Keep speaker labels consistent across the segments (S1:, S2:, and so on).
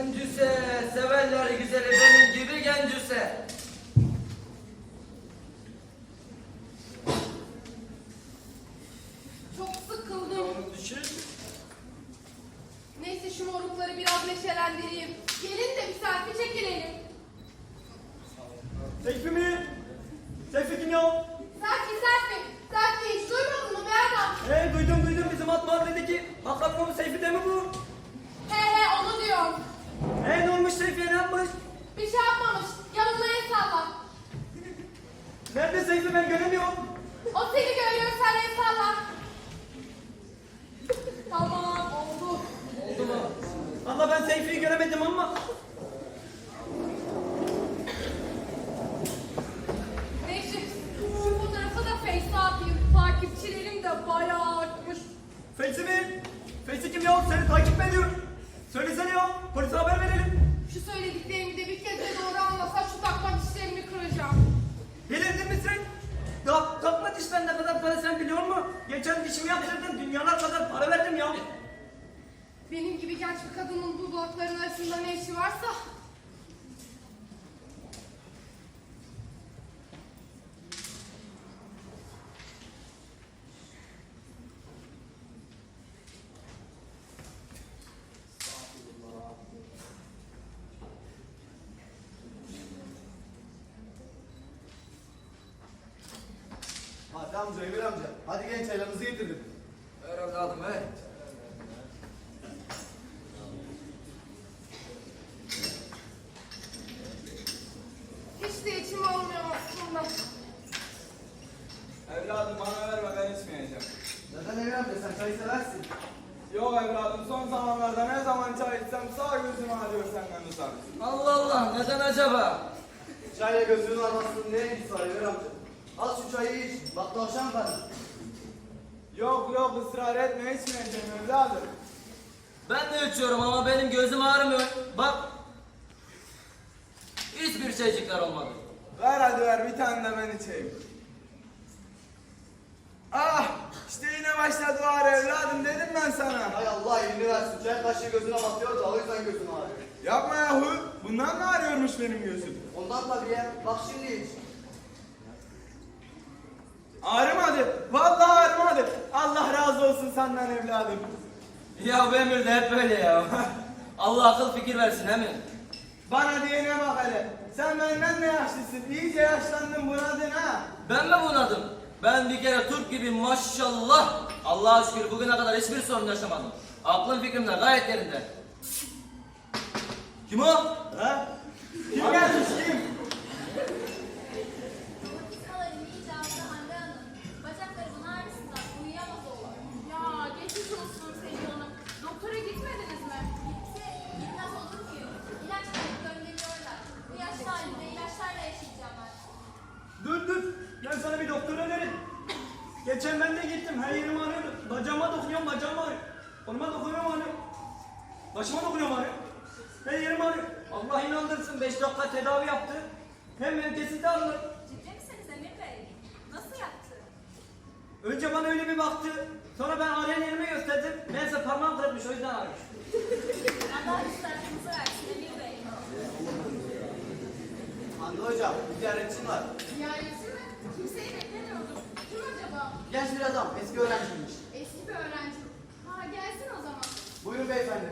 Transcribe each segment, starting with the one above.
S1: Gencüse, severler güzeli benim gibi gencüse.
S2: Çok sıkıldım. Neyse şu morukları biraz neşelendireyim. Gelin de bir selfie çekilelim.
S3: Seyfi mi? Seyfi kim ya?
S2: Selfie. Selfie hiç duymadın mı be adam?
S3: Duydum bizim alt mahalledeki Hakan Seyfi de mi bu?
S2: He onu diyorum.
S3: Ne olmuş Seyfi'ye, ne yapmış?
S2: Bir şey yapmamış. Yanımda el salla.
S3: Nerede Seyfi, ben göremiyorum.
S2: O seni görüyor, sen el salla. Tamam oldu.
S3: Oldu mu? Valla ben Seyfi'yi göremedim ama.
S2: Neyse şu fotoğrafı da Face'e atayım. Takipçilerim de bayağı artmış.
S3: Feysi mi? Feysi kim ya? Seni takip mi ediyor? Söylesene ya, polise haber verelim.
S2: Şu söylediklerimi de bir kez de doğru anlasa şu takma dişlerimi kıracağım.
S3: Delirdin mi sen? Ya takma dişten ne kadar para sen biliyor musun? Geçen dişimi yaptırdım, dünyalar kadar para verdim ya.
S2: Benim gibi genç bir kadının bu dudakların arasında ne işi varsa.
S4: Hadi amca, Emir amca. Hadi genç çaylarınızı getirdim.
S1: Ver evladım ver.
S2: Hiç de içim olmuyor aslında.
S5: Evladım bana verme, ben içmeyeceğim.
S4: Neden Emir amca, sen çayı seversin?
S5: Yok evladım, son zamanlarda ne zaman çay içsem sağ gözüm ağrıyor senden uzak.
S1: Allah Allah, neden acaba?
S4: Çayla gözünün arasında ne ilgisi var Emir amca? Al şu çayı iç, bak tavşan karnı.
S5: Yok ısrar etme, içmeyeceğim evladım.
S1: Ben de içiyorum ama benim gözüm ağrımıyor. Bak. Hiçbir şeycikler olmadı.
S5: Ver hadi ver, bir tane de ben içeyim. Ah, işte yine başladı o ağrı evladım, dedim ben sana.
S4: Hay Allah elini versin, çay kaşığı gözüne batıyor da o yüzden gözün ağrıyor.
S5: Yapma yahu, bundan mı ağrıyormuş benim gözüm?
S4: Ondan tabii ya, bak şimdi iç.
S5: Ağrımadı, vallahi ağrımadı. Allah razı olsun senden evladım.
S1: Ya bu Emir de hep böyle ya. Allah akıl fikir versin he mi?
S5: Bana diyene bak hele. Sen benden de yaşlısın, iyice yaşlandın, bunadın ha.
S1: Ben mi bunadım? Ben bir kere Türk gibi maşallah. Allah'a şükür bugüne kadar hiçbir sorun yaşamadım. Aklım fikrim de gayet yerinde. Kim o?
S5: Ha? Kim gelmiş kim?
S6: Romatizmaların icabı Hande Hanım. Bacaklarımın ağrısından uyuyamaz oldu.
S2: Ya geçmiş olsun Selin Hanım. Doktora gitmediniz mi?
S6: Gitmez olur muyum? İlaç verip gönderiyorlar. Bu yaşlı halimde ilaçlarla yaşayacağım ben.
S3: Dur, ben sana bir doktor önerim. Geçen ben de gittim, her yerim ağrıyordu. Bacağıma dokunuyorum, bacağım ağrıyor. Koluma dokunuyorum ağrıyor. Başıma dokunuyorum ağrıyor. Her yerim ağrıyor. Allah inandırsın, 5 dakika tedavi yaptı. Hemen kesildi ağrılar.
S6: Ciddi misiniz Emir Bey? Nasıl yaptı?
S3: Önce bana öyle bir baktı. Sonra ben ağrıyan yerime gösterdim. Meğerse parmağım kırılmış, o yüzden ağrıyor.
S6: Allah üstadınızı versin Emir Bey.
S4: Hande hocam, bir ziyaretçin var.
S2: Ziyaretçi mi? Kimseyi beklemiyordum. Kim acaba?
S4: Genç bir adam, eski öğrenciymiş.
S2: Eski bir öğrenci. Ha gelsin o zaman.
S4: Buyurun beyefendi.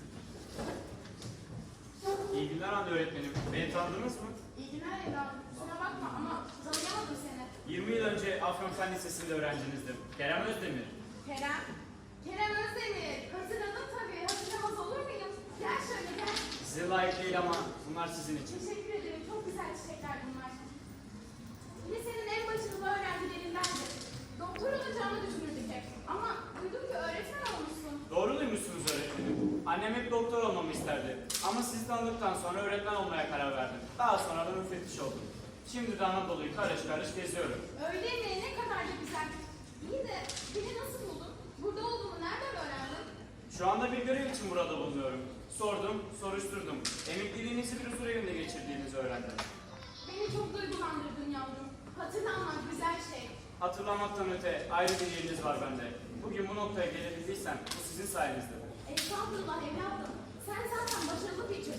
S7: İyi günler Hande öğretmenim. Beni tanıdınız mı?
S2: İyi günler evladım. Kusura bakma ama tanıyamadım seni.
S7: 20 yıl önce Afyon Lisesi'nde öğrencinizdim. Kerem Özdemir.
S2: Kerem. Kerem Özdemir. Hatırladım tabii. Hatırlamaz olur muyum? Gel şöyle gel.
S7: Size layık değil ama bunlar sizin için.
S2: Teşekkür ederim. Çok güzel çiçekler bunlar. Lisenin en başarılı öğrencilerindendi. Doktor olacağını düşünürdük hep. Ama duydum ki öğretmen olmuşsun.
S7: Doğru duymuşsunuz öğretmenim. Annem hep doktor olmamı isterdi. Ama sizi tanıdıktan sonra öğretmen olmaya karar verdim. Daha sonra da müfettiş oldum. Şimdi de Anadolu'yu karış karış geziyorum.
S2: Öyle mi? Ne kadar da güzel. İyi de beni nasıl buldun? Burada olduğumu nereden öğrendin?
S7: Şu anda bir görev için burada bulunuyorum. Sordum, soruşturdum. Emekliliğinizi bir huzur evinde geçirdiğinizi öğrendim.
S2: Beni çok duygulandırdın yavrum. Hatırlanmak güzel şey.
S7: Hatırlamaktan öte ayrı bir yeriniz var bende. Bugün bu noktaya gelebildiysem bu sizin sayenizde.
S2: Estağfurullah evladım. Sen zaten başarılı bir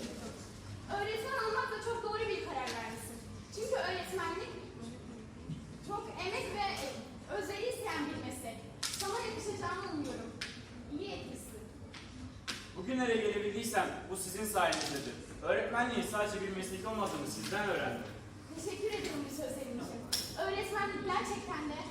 S7: sizin sayenizdedir. Öğretmenliğin sadece bir meslek olmadığını sizden öğrendim.
S2: Teşekkür ederim bu sözlerin için. Öğretmenlik gerçekten de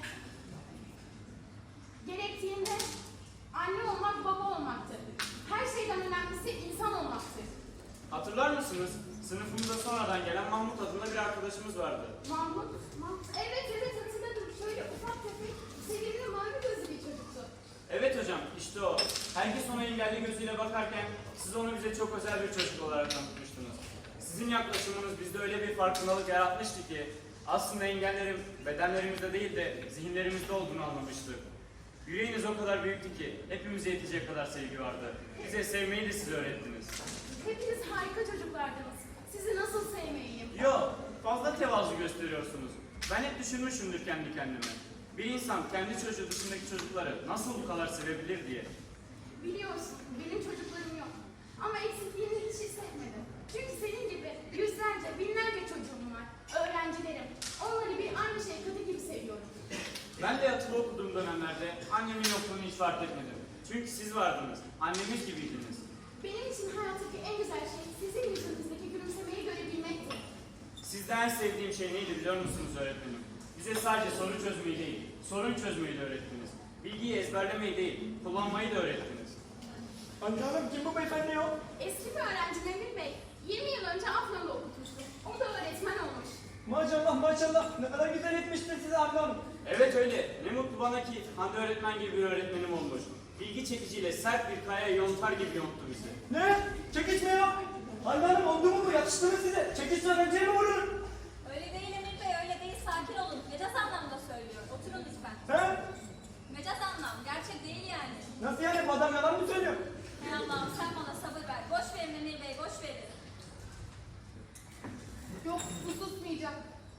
S2: gerektiğinde anne olmak, baba olmaktır. Her şeyden önemlisi insan olmaktır.
S7: Hatırlar mısınız? Sınıfımıza sonradan gelen Mahmut adında bir arkadaşımız vardı.
S2: Mahmut. Evet hatırladım. Şöyle ufak tefek, sevimli mavi gözlü bir çocuktu.
S7: Evet hocam, işte o. Herkes ona engelli gözüyle bakarken siz onu bize çok özel bir çocuk olarak tanıtmıştınız. Sizin yaklaşımınız bizde öyle bir farkındalık yaratmıştı ki aslında engellerin bedenlerimizde değil de zihinlerimizde olduğunu anlamıştık. Yüreğiniz o kadar büyüktü ki hepimize yetecek kadar sevgi vardı. Bize sevmeyi de siz öğrettiniz.
S2: Hepiniz harika çocuklardınız. Sizi nasıl sevmeyeyim?
S7: Yo, fazla tevazu gösteriyorsunuz. Ben hep düşünmüşümdür kendi kendime. Bir insan kendi çocuğu dışındaki çocukları nasıl bu kadar sevebilir diye.
S2: Biliyorsun benim çocuklarım yok. Ama eksikliğini hiç hissetmedim. Çünkü senin gibi yüzlerce, binlerce çocuğum var. Öğrencilerim. Onları bir anne şefkati gibi seviyorum.
S7: Ben de yatılı okuduğum dönemlerde annemin yokluğunu hiç fark etmedim. Çünkü siz vardınız, annemiz gibiydiniz.
S2: Benim için hayattaki en güzel şey sizin yüzünüzdeki gülümsemeyi görebilmekti.
S7: Sizde en sevdiğim şey neydi biliyor musunuz öğretmenim? Bize sadece soru çözmeyi değil, sorun çözmeyi de öğrettiniz. Bilgiyi ezberlemeyi değil, kullanmayı da öğrettiniz.
S3: Anne hanım kim bu beyefendi ya?
S2: Eski bir öğrencim Emir Bey, 20 yıl önce Afyon'da okutmuştu. O da öğretmen olmuş.
S3: Maşallah ne kadar güzel etmiştir size anne hanım.
S7: Evet öyle, ne mutlu bana ki Hande öğretmen gibi bir öğretmenim olmuş. Bilgi çekiciyle sert bir kayaya yontar gibi yonttu bizi.
S3: Ne? Çekiç mi ya? Anne hanım oldu mu bu? Yakıştı mı size? Çekiç öğrenciye mi vurur?
S6: Öyle değil Emir Bey, öyle değil. Sakin olun. Mecaz anlamda söylüyor. Oturun lütfen.
S3: He?
S6: Mecaz anlam, gerçek değil yani.
S3: Nasıl yani? Bu adam yalan mı söylüyor?
S6: Hay Allah'ım sen bana sabır ver. Boş verin Emir Bey, boş verin.
S2: Yok, bu susmayacak.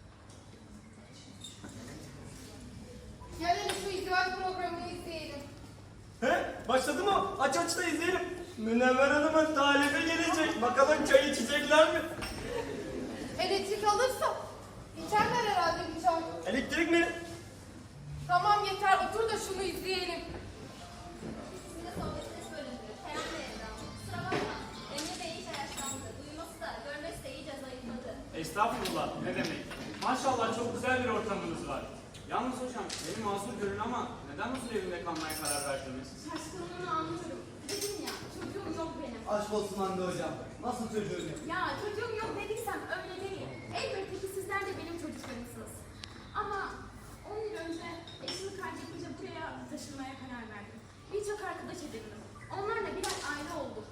S2: Gelin şu izdivaç programını izleyelim.
S3: He? Başladı mı? Aç da izleyelim. Münevver Hanım'ın talibi gelecek. Bakalım çay içecekler mi?
S2: Elektrik alırsa içerler herhalde bir çay.
S3: Elektrik mi?
S2: Tamam yeter, otur da şunu izleyelim.
S6: Sizin de sohbetiniz bölündü. Kerem Bey Evren. Kusura bakma. Emir Bey iyice yaşlandı. Duyması da, görmesi de iyice zayıfladı.
S7: Estağfurullah, ne demek. Maşallah çok güzel bir ortamınız var. Yalnız hocam, beni mazur görün ama neden huzur evinde kalmaya karar verdiniz?
S2: Şaşkınlığını anlıyorum. Dedim ya, çocuğum yok benim.
S4: Aşk olsun Hande hocam. Nasıl çocuğun yok?
S2: Ya çocuğum yok dediysem öyle değil. Elbette ki sizler de benim çocuklarımsınız. Ama 10 yıl önce eşimi kaybedince buraya taşınmaya karar verdim. Birçok arkadaş edindim. Onlarla birer aile olduk.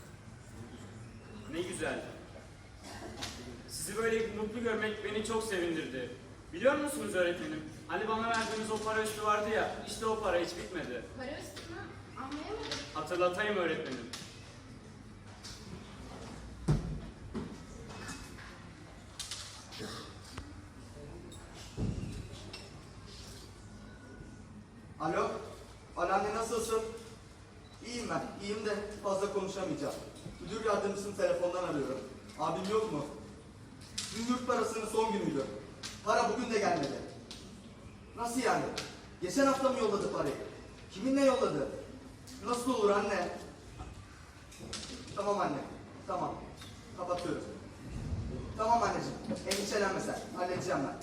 S7: Ne güzel. Sizi böyle mutlu görmek beni çok sevindirdi. Biliyor musunuz öğretmenim? Hani bana verdiğiniz o para üstü vardı ya, işte o para hiç bitmedi.
S2: Para üstüne anlayamadım.
S7: Hatırlatayım öğretmenim.
S4: Alo? Anneanne nasılsın? İyiyim ben. İyiyim de fazla konuşamayacağım. Müdür yardımcısını telefondan arıyorum. Abim yok mu? Dün yurt parasının son günüydü. Para bugün de gelmedi. Nasıl yani? Geçen hafta mı yolladı parayı? Kiminle yolladı? Nasıl olur anne? Tamam anne. Tamam. Kapatıyorum. Tamam anneciğim. Endişelenme sen. Halledeceğim ben.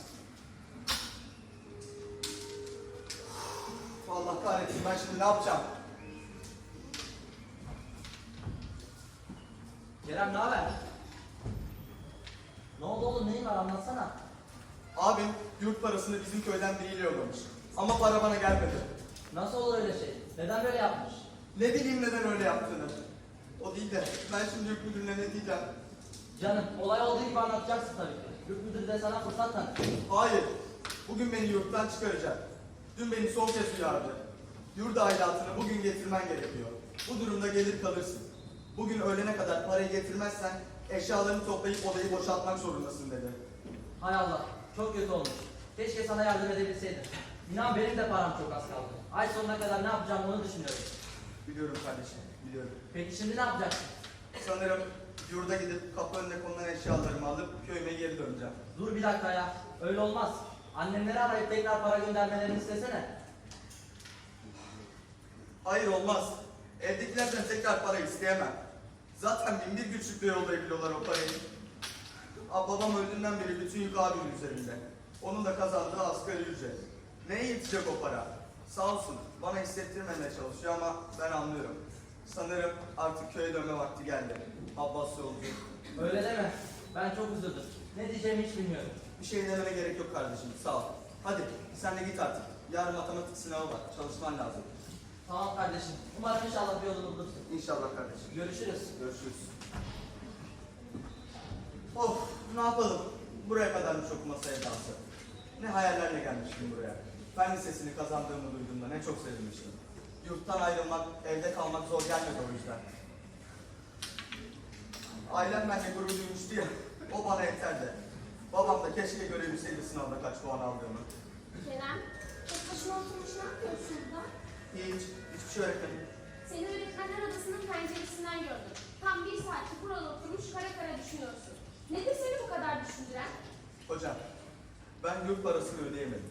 S4: Allah kahretsin ben şimdi ne yapacağım?
S1: Kerem ne haber? Ne oldu oğlum neyin var anlatsana.
S4: Abim yurt parasını bizim köyden biriyle yollamış. Ama para bana gelmedi.
S1: Nasıl olur öyle şey? Neden böyle yapmış?
S4: Ne bileyim neden öyle yaptığını. O değil de ben şimdi yurt müdürüne ne diyeceğim?
S1: Canım olay olduğu gibi anlatacaksın tabii ki. Yurt müdürü de sana fırsat tanır.
S4: Hayır. Bugün beni yurttan çıkaracak. Dün beni son kez uyardı. Yurt aidatını bugün getirmen gerekiyor. Bu durumda gelir kalırsın. Bugün öğlene kadar parayı getirmezsen eşyalarını toplayıp odayı boşaltmak zorundasın dedi.
S1: Hay Allah çok kötü olmuş. Keşke sana yardım edebilseydim. İnan benim de param çok az kaldı. Ay sonuna kadar ne yapacağım onu düşünüyorum.
S4: Biliyorum kardeşim, biliyorum.
S1: Peki şimdi ne yapacaksın?
S4: Sanırım yurda gidip kapı önüne konulan eşyalarımı alıp köyüme geri döneceğim.
S1: Dur bir dakika ya. Öyle olmaz. Annemleri arayıp tekrar para göndermelerini istesene.
S4: Hayır olmaz. Evdekilerden tekrar para isteyemem. Zaten bin bir güçlükle yollayabiliyorlar o parayı. Babam öldüğünden beri bütün yük abimin üzerinde. Onun da kazandığı asgari ücret. Neye yetecek o para? Sağ olsun bana hissettirmemeye çalışıyor ama ben anlıyorum. Sanırım artık köye dönme vakti geldi. Abbas yolcu.
S1: Öyle deme. Ben çok üzüldüm. Ne diyeceğimi hiç bilmiyorum.
S4: Bir şey demene gerek yok kardeşim, sağ ol. Hadi sen de git artık. Yarın matematik sınavı var, çalışman lazım.
S1: Tamam kardeşim. Umarım inşallah bir yolunu bulursun.
S4: İnşallah kardeşim.
S1: Görüşürüz.
S4: Görüşürüz. Of, ne yapalım? Buraya kadarmış okuma sevdası. Ne hayallerle gelmiştim buraya. Fen lisesini kazandığımı duyduğumda ne çok sevinmiştim. Yurttan ayrılmak, evde kalmak zor gelmedi o yüzden. Ailem benimle gurur duymuştu ya, o bana yeterdi. Babam da keşke görebilseydi sınavda kaç puan aldığımı.
S2: Kerem, tek başına oturmuş ne yapıyorsun burada?
S4: Hiçbir şey öğretmedim.
S2: Seni öğretmenler odasının penceresinden gördüm. Tam bir saattir burada oturmuş kara kara düşünüyorsun. Nedir seni bu kadar düşündüren?
S4: Hocam, ben yurt parasını ödeyemedim.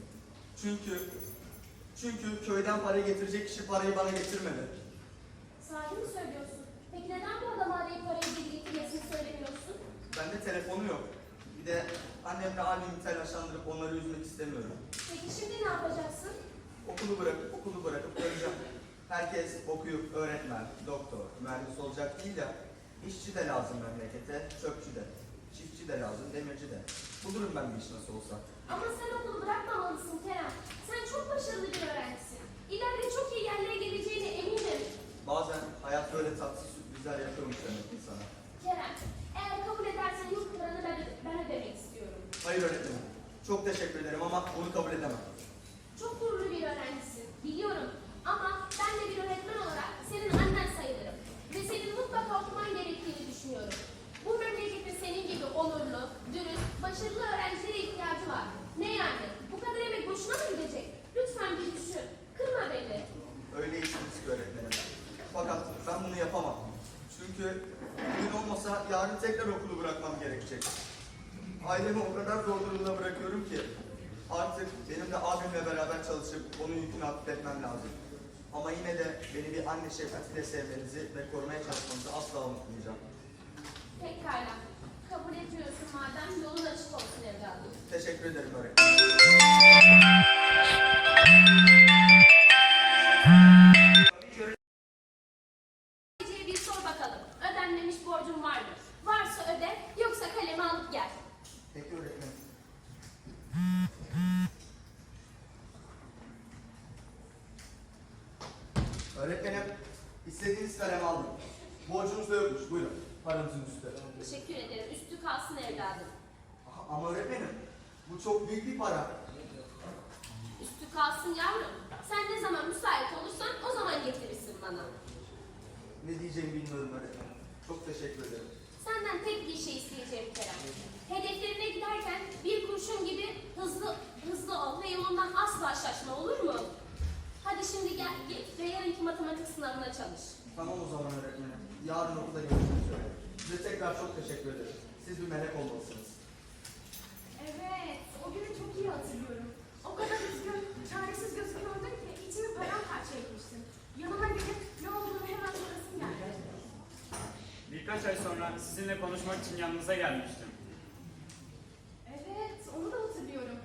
S4: Çünkü köyden para getirecek kişi parayı bana getirmedi.
S2: Sahi mi söylüyorsun? Peki neden bu adamı arayıp parayı geri getirmesini söylemiyorsun?
S4: Bende telefonu yok. Bir de annemle abimi telaşlandırıp onları üzmek istemiyorum.
S2: Peki şimdi ne yapacaksın?
S4: Okulu bırakıp döneceğim. Herkes okuyup öğretmen, doktor, mühendis olacak değil ya. İşçi de lazım memlekete, çöpçü de. Çiftçi de lazım, demirci de. Bulurum ben bir iş nasıl olsa.
S2: Ama sen okulu bırakmamalısın Kerem. Sen çok başarılı bir öğrencisin. İleride çok iyi yerlere geleceğine eminim.
S4: Bazen hayat böyle tatsız sürprizler yapıyormuş demek insana.
S2: Kerem, eğer kabul edersen yurt paranı ben ödemek istiyorum.
S4: Hayır öğretmenim. Çok teşekkür ederim ama bunu kabul edemem.
S2: Çok gururlu bir öğrencisin, biliyorum. Ama ben de bir öğretmen olarak senin annen sayılırım. Ve senin mutlaka okuman gerektiğini düşünüyorum. Bu memleketin senin gibi onurlu, dürüst, başarılı öğrencilere ihtiyacı var. Ne yani? Bu kadar emek boşuna mı gidecek? Lütfen bir düşün. Kırma beni.
S4: Öyle işimiz ki öğretmenim. Fakat ben bunu yapamam. Çünkü bugün olmasa yarın tekrar okulu bırakmam gerekecek. Ailemi o kadar zor durumda bırakıyorum ki artık benim de abimle beraber çalışıp onun yükünü hafifletmem lazım. Ama yine de beni bir anne şefkatiyle sevmenizi ve korumaya çalışmanızı asla unutmayacağım.
S2: Pekala. Kabul etmiyorsun madem yolun açık olsun evladım.
S4: Teşekkür ederim öğretmenim.
S2: Sadece bir sor bakalım. Ödenmemiş borcun var mı? Varsa öde, yoksa kalemi alıp gel.
S4: Peki öğretmenim. Öğretmenim, istediğiniz kalemi aldım. Borcunuz da yokmuş, buyurun. Paranızın üstü.
S2: Teşekkür ederim. Üstü kalsın evladım.
S4: Ama öğretmenim, bu çok büyük bir para.
S2: Üstü kalsın yavrum. Sen ne zaman müsait olursan o zaman getirirsin bana.
S4: Ne diyeceğimi bilmiyorum öğretmenim. Çok teşekkür ederim.
S2: Senden tek bir şey isteyeceğim Kerem. Hedeflerine giderken bir kurşun gibi hızlı ol ve yolundan asla şaşma, olur mu? Hadi şimdi gel git ve yarınki matematik sınavına çalış.
S4: Tamam o zaman öğretmenim. Yarın okulda görüşmek üzere. Size tekrar çok teşekkür ederim. Siz bir melek olmalısınız.
S2: Evet, o günü çok iyi hatırlıyorum. O kadar üzgün, çaresiz gözüküyordun ki içimi paramparça etmiştin. Yanıma gelip ne olduğunu hemen sorasın geldi.
S7: Birkaç ay sonra sizinle konuşmak için yanınıza gelmiştim.
S2: Evet, onu da hatırlıyorum.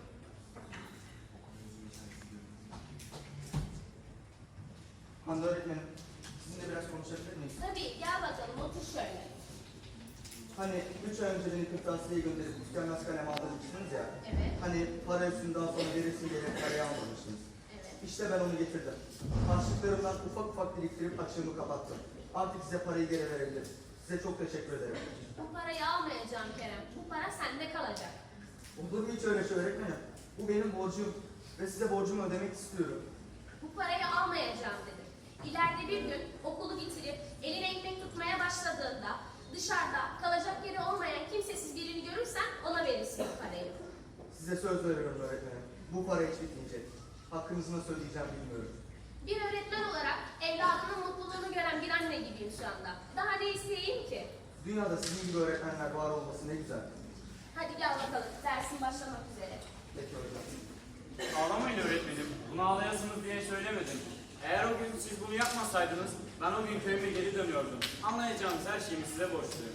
S4: Hande öğretmenim, sizinle biraz konuşabilir miyiz?
S2: Tabii, gel bakalım, otur şöyle.
S4: Hani 3 ay önce beni kırtasiyeyi gönderip tükenmez kalem aldırmıştınız ya.
S2: Evet,
S4: Hani para üstünü daha sonra verirsin diye parayı almamıştınız.
S2: evet.
S4: İşte ben onu getirdim. Harçlıklarımdan ufak ufak biriktirip açığımı kapattım. Artık size parayı geri verebilirim. Size çok teşekkür ederim.
S2: Bu parayı almayacağım Kerem. Bu para sende kalacak.
S4: Olur mu hiç öyle şey öğretmenim? Bu benim borcum ve size borcumu ödemek istiyorum.
S2: Bu parayı almayacağım dedim. İleride bir gün okulu bitirip eline ekmek tutmaya başladığında dışarıda kalacak yeri olmayan kimsesiz birini görürsen ona verirsin bu parayı.
S4: Size söz veriyorum öğretmenim. Bu para hiç bitmeyecek. Hakkınızı nasıl ödeyeceğim bilmiyorum.
S2: Bir öğretmen olarak evladının mutluluğunu gören bir anne gibiyim şu anda. Daha ne isteyeyim ki?
S4: Dünyada sizin gibi öğretmenler var olması ne güzel.
S2: Hadi gel bakalım, dersin başlamak üzere.
S4: Peki hocam.
S7: Ağlamayın öğretmenim. Bunu ağlayasınız diye söylemedim. Eğer o gün siz bunu yapmasaydınız ben o gün köyüme geri dönüyordum. Anlayacağınız her şeyimi size borçluyum.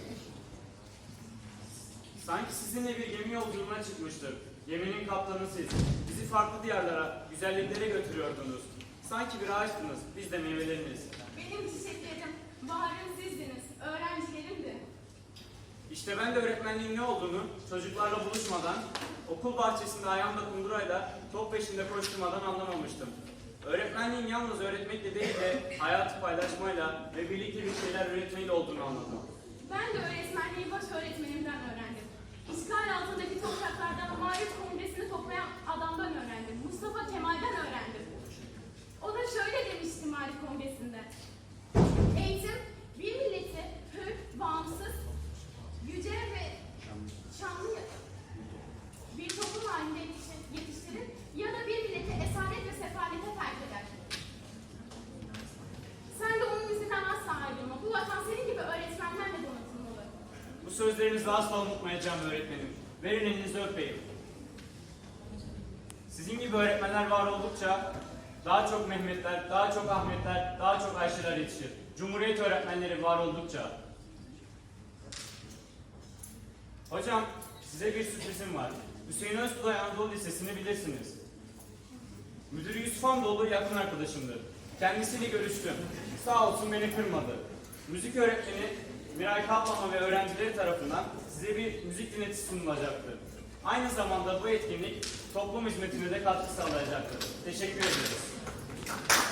S7: Sanki sizinle bir gemi yolculuğuna çıkmıştık. Geminin kaptanı siz. Bizi farklı diyarlara, güzelliklere götürüyordunuz. Sanki bir ağaçtınız, biz de meyveleriniz.
S2: Benim çiçeklerim, baharım sizdiniz, öğrencilerimdi.
S7: İşte ben de öğretmenliğin ne olduğunu çocuklarla buluşmadan, okul bahçesinde ayağımda kundurayla top peşinde koşturmadan anlamamıştım. Öğretmenliğin yalnız öğretmekle değil de hayatı paylaşmayla ve birlikte bir şeyler üretmeyle olduğunu anladım.
S2: Ben de öğretmenliği baş öğretmenimden öğrendim. İşgal altındaki topraklardan Marif Kongresi'ni toplayan adamdan öğrendim. Mustafa Kemal'den öğrendim. O da şöyle demişti Marif Kongresi'nde. Eğitim, bir milleti hür, bağımsız, yüce ve şanlı bir toplum halinde yetiştirir ya da bir milleti esaret ve sefalete terk eder. Sen de onun izinden asla ayrılma. Bu vatan senin gibi öğretmenlerle donatılmalı.
S7: Bu sözlerinizi asla unutmayacağım öğretmenim. Verin elinizi öpeyim. Sizin gibi öğretmenler var oldukça daha çok Mehmetler, daha çok Ahmetler, daha çok Ayşeler yetişir. Cumhuriyet öğretmenleri var oldukça. Hocam, size bir sürprizim var. Hüseyin Öztulay Anadolu Lisesi'ni bilirsiniz. Müdürü Yusuf Hamdoğlu yakın arkadaşımdır. Kendisiyle görüştüm. Sağ olsun beni kırmadı. Müzik öğretmeni Miray Kaplama ve öğrencileri tarafından size bir müzik dinletisi sunulacaktır. Aynı zamanda bu etkinlik toplum hizmetine de katkı sağlayacaktır. Teşekkür ederiz.